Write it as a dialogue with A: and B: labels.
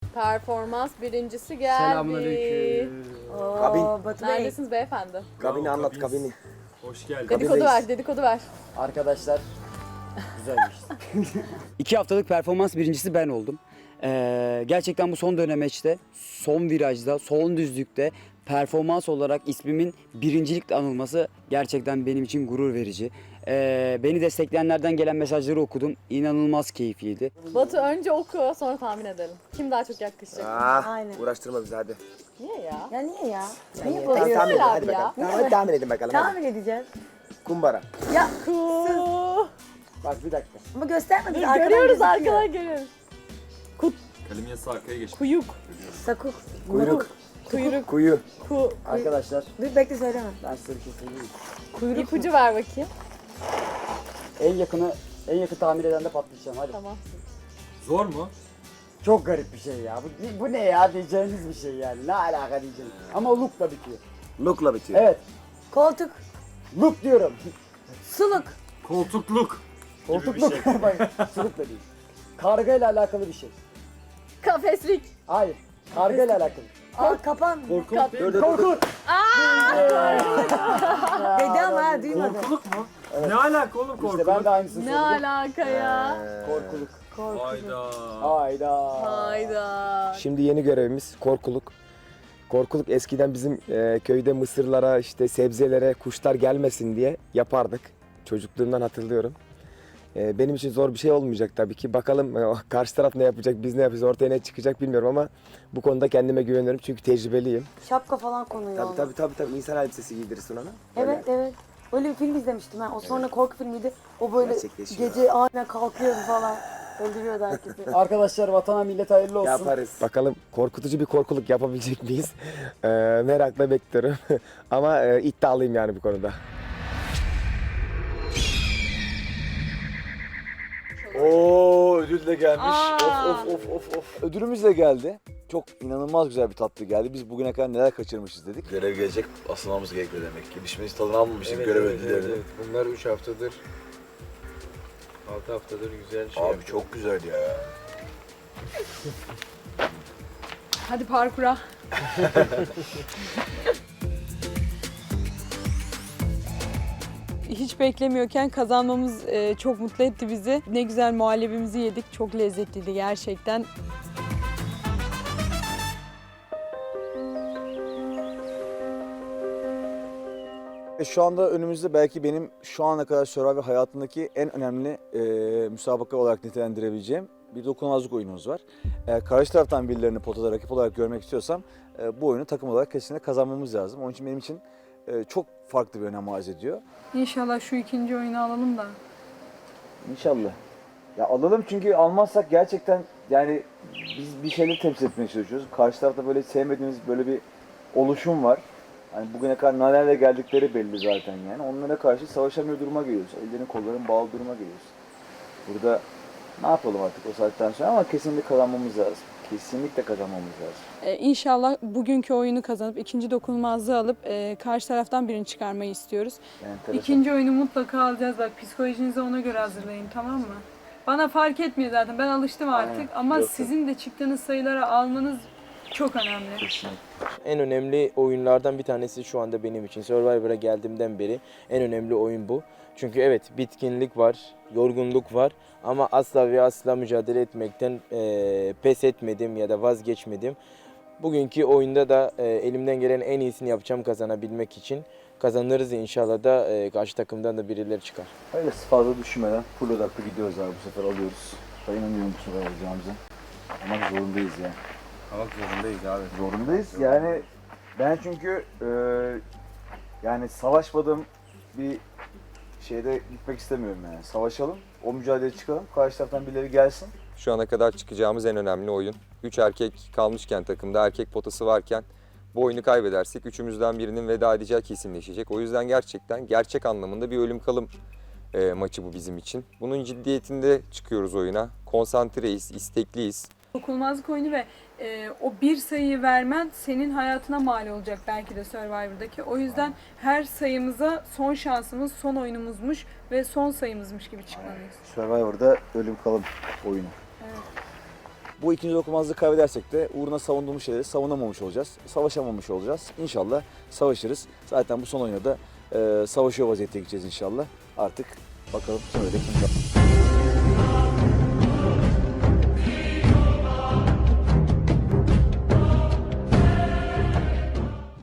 A: Performans birincisi geldi.
B: Selamünaleyküm.
C: Oo, Batu Bey.
A: Neredesiniz beyefendi?
D: Kabini anlat
B: Kabiniz.
D: kabini.
B: Hoş geldin.
A: Dedikodu ver, dedikodu ver.
C: Arkadaşlar güzel geçti.
E: 2 haftalık performans birincisi ben oldum. Gerçekten bu son dönemeçte, son virajda, son düzlükte performans olarak ismimin birincilikle anılması gerçekten benim için gurur verici. Beni destekleyenlerden gelen mesajları okudum. İnanılmaz keyifliydi.
A: Batu önce oku, sonra tahmin edelim. Kim daha çok yaklaşacak?
C: Aynen.
D: Uğraştırma bizi hadi.
A: Niye ya?
C: Ya niye ya? Niye
D: Tamam,
C: bozuyorsun?
D: tahmin edin
A: abi
D: hadi
A: ya.
D: bakalım. Tamam, hadi tahmin edin bakalım. hadi.
C: Tahmin edeceğiz.
D: Kumbara.
C: Ya
A: Ku.
D: Bak bir dakika.
C: ama göstermedin.
A: Dur,
C: arkadan
A: görüyoruz
C: gözüküyor.
A: arkadan görüyoruz.
B: Kalem yazısı arkaya geç.
A: Kuyuk,
C: Sakuk.
D: Kuyruk.
A: kuyruk,
D: Kuyu.
A: ku.
E: Arkadaşlar
C: Dur bekle söyleme.
E: ben size bir şey söyleyeyim.
A: Kuyruk. İpucu ver bakayım.
E: En yakın tahmin eden de patlayacağım hadi.
A: Tamam.
B: Zor mu?
E: Çok garip bir şey ya. Bu ne ya diyeceğiniz bir şey yani. Ne alaka diyeceğim. Ama look'la bitiyor.
D: Look'la bitiyor.
E: Evet.
C: Koltuk.
E: Look diyorum.
C: Suluk.
B: Koltukluk.
E: Koltukluk. Bak, sulukla değil. Kargayla alakalı bir şey.
A: Kafeslik.
E: Hayır. Kargayla alakalı.
C: Aa kapan.
B: Korkuluk değil.
E: Korkut.
C: Dedi ama ha duymadı.
B: Korkuluk mu? Ne alaka oğlum korkuluk?
E: İşte ben de aynısını
A: Ne
E: söyledim.
A: alaka ya?
E: Korkuluk.
B: Hayda.
E: Hayda.
A: Hayda.
D: Şimdi yeni görevimiz korkuluk. Korkuluk eskiden bizim köyde mısırlara, işte sebzelere kuşlar gelmesin diye yapardık. Çocukluğumdan hatırlıyorum. Benim için zor bir şey olmayacak tabii ki. Bakalım karşı taraf ne yapacak, biz ne yapacağız, ortaya ne çıkacak bilmiyorum ama bu konuda kendime güveniyorum çünkü tecrübeliyim.
C: Şapka falan konuyor ona.
D: Tabii. İnsan elbisesi giydirirsin ona.
C: Evet evet. Öyle bir film izlemiştim ben. O sonra korku filmiydi. O böyle
D: Gerçekleşiyor.
C: gece aynen kalkıyordu falan. Öldürüyordu herkesi.
E: Arkadaşlar vatana millet hayırlı olsun.
D: Yaparız. Bakalım korkutucu bir korkuluk yapabilecek miyiz? Merakla bekliyorum. Ama iddialıyım yani bu konuda.
F: Oo ödül de gelmiş.
A: Aa.
F: Of. Ödülümüz de geldi. Çok inanılmaz güzel bir tatlı geldi. Biz bugüne kadar neler kaçırmışız dedik.
G: Görev gelecek, asılmamız gerekiyor demek ki. Biz tadını almamıştık görev ödüllerini.
H: Bunlar 3 haftadır, 6 haftadır güzel şey
G: Abi
H: yapıyor.
G: çok güzel ya.
A: Hadi parkura.
I: Hiç beklemiyorken kazanmamız çok mutlu etti bizi. Ne güzel muhallebimizi yedik. Çok lezzetliydi gerçekten.
F: Şu anda önümüzde belki benim şu ana kadar Survivor hayatımdaki en önemli müsabaka olarak nitelendirebileceğim bir dokunulmazlık oyunumuz var. Karşı taraftan birilerini potada rakip olarak görmek istiyorsam bu oyunu takım olarak kesinlikle kazanmamız lazım. Onun için benim için çok farklı bir önem arz ediyor.
I: İnşallah şu ikinci oyunu alalım da.
F: İnşallah. Ya alalım çünkü almazsak gerçekten yani biz bir şeyleri temsil etmeye çalışıyoruz. Karşı tarafta böyle sevmediğimiz böyle bir oluşum var. Hani bugüne kadar nelerle geldikleri belli zaten yani. Onlara karşı savaşamıyor duruma geliyoruz. Ellerin kolların bağlı duruma geliyoruz. Burada ne yapalım artık o saatten sonra ama kesinlikle kazanmamız lazım. Kesinlikle kazanmamız lazım.
I: İnşallah bugünkü oyunu kazanıp ikinci dokunulmazlığı alıp karşı taraftan birini çıkarmayı istiyoruz.
F: Yani
I: İkinci oyunu mutlaka alacağız. Bak psikolojinizi ona göre hazırlayın, tamam mı? Bana fark etmiyor zaten. Ben alıştım artık.
F: Aynen.
I: Ama
F: Yok,
I: sizin de çıktığınız sayıları almanız çok önemli.
F: kesinlikle.
H: En önemli oyunlardan bir tanesi şu anda benim için. Survivor'a geldiğimden beri en önemli oyun bu. Çünkü evet bitkinlik var, yorgunluk var ama asla ve asla mücadele etmekten pes etmedim ya da vazgeçmedim. Bugünkü oyunda da elimden gelen en iyisini yapacağım kazanabilmek için. Kazanırız inşallah da karşı takımdan da birileri çıkar.
F: Öyle fazla düşünmeden full odaklı gidiyoruz abi bu sefer alıyoruz. Ben inanıyorum bu sefer alacağımıza. Ama zorundayız yani.
H: Ama zorundayız abi.
F: Zorundayız. Yani ben çünkü yani savaşmadığım bir şeyde gitmek istemiyorum yani. Savaşalım, o mücadeleye çıkalım, karşı taraftan birileri gelsin.
J: Şu ana kadar çıkacağımız en önemli oyun. 3 erkek kalmışken takımda, erkek potası varken bu oyunu kaybedersek üçümüzden birinin veda edeceği kesinleşecek. O yüzden gerçekten gerçek anlamında bir ölüm kalım maçı bu bizim için. Bunun ciddiyetinde çıkıyoruz oyuna. Konsantreyiz, istekliyiz.
I: Dokunulmazlık oyunu ve o bir sayıyı vermen senin hayatına mal olacak belki de Survivor'daki. O yüzden her sayımıza son şansımız, son oyunumuzmuş ve son sayımızmış gibi çıkmalıyız.
F: Survivor'da ölüm kalım oyunu.
I: Evet.
F: Bu ikinci dokunulmazlığı kaybedersek de uğruna savunduğumuz şeyleri savunamamış olacağız. Savaşamamış olacağız. İnşallah savaşırız. Zaten bu son oyunda da savaşıyor vaziyette gideceğiz inşallah. Artık bakalım kim öyle kim kalır.